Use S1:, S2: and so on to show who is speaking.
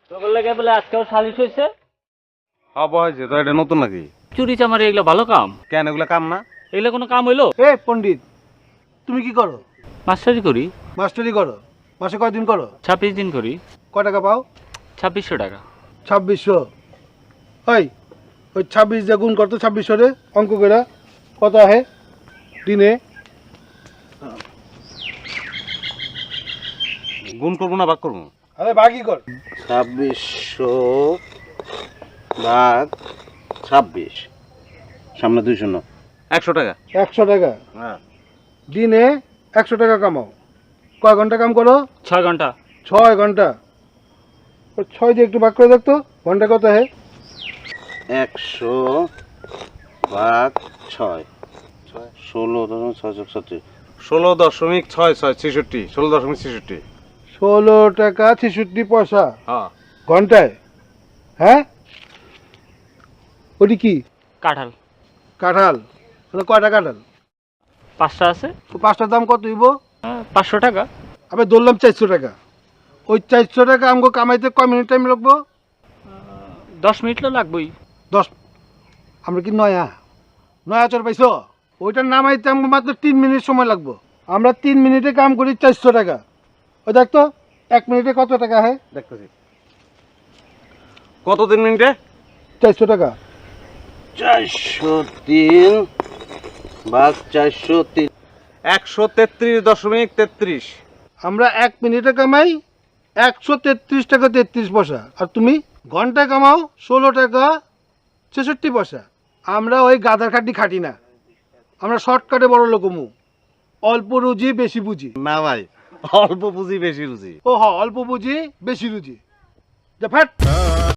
S1: তোর লাগে বলে আজকেও সালিশ হয়েছে।
S2: হব হয়েছে তো, এটা নতুন নাকি?
S1: চুরি চামারি এগুলো ভালো কাম?
S2: কেন এগুলো কাম না?
S1: এগুলো কোনো কাম হইলো?
S3: এ পণ্ডিত, তুমি কি করো?
S1: মাস্টারি করি।
S3: মাস্টারি করো? মাসে কয়দিন করো?
S1: 26 দিন করি।
S3: কয় টাকা পাও?
S1: 2600 টাকা।
S3: 2600। ওই 26 দিয়ে গুণ করতো 2600 রে, অঙ্ক করে কত আহে দিনে?
S2: গুণ করবো না ভাগ করবো?
S3: আরে ভাগই কর।
S4: 2600 ভাগ 26, সামনে 200 না।
S2: 100 টাকা।
S3: 100 টাকা
S2: হ্যাঁ।
S3: দিনে 100 টাকা কামাও। কয় ঘন্টা কাম করো?
S1: 6 ঘন্টা।
S3: 6 ঘন্টা। 6 দিয়ে একটু ভাগ করে দেখতো ঘন্টা কত আহে।
S4: 100 ভাগ 6, 16.666।
S2: 16.66, 16.66।
S3: 16 টাকা 66 পয়সা
S2: হ্যাঁ।
S3: ঘন্টায়। হ্যাঁ, ওটি কি?
S1: কাঁঠাল।
S3: কাঁঠাল? মানে কয়টা কাঁঠাল?
S1: 5টা আছে।
S3: তো 5টার দাম কত হইব?
S1: 500 টাকা।
S3: আমি ধরলাম 400 টাকা। ওই 400 টাকা আমাকে কামাইতে কয় মিনিট টাইম লাগবো?
S1: 10 মিনিট তো লাগবেই।
S3: 10। আমরা কি নয়া চর পাইছো? ওইটা নামাইতে আমাকে মাত্র 3 মিনিট সময় লাগবো। আমরা 3 মিনিটে কাম করি 400 টাকা। ওই দেখতো 1 মিনিটে কত টাকা হয়?
S2: দেখতেছি। কত 3 মিনিটে?
S3: 400 টাকা।
S4: 403 ভাগ 403।
S2: 133.33।
S3: আমরা 1 মিনিটে কামাই 133 টাকা 33 পয়সা। আর তুমি ঘন্টায় কামাও 16 টাকা 66 পয়সা। আমরা ওই গাধার খাটি খাটি না, আমরা শর্টকাটে বড় লোকমু। অল্প রুজি বেশি বুঝি।
S2: না ভাই, অল্প পুঁজি বেশি রুজি।
S3: ও হ, অল্প বুঝি বেশি রুজি। যা ফ্যাট।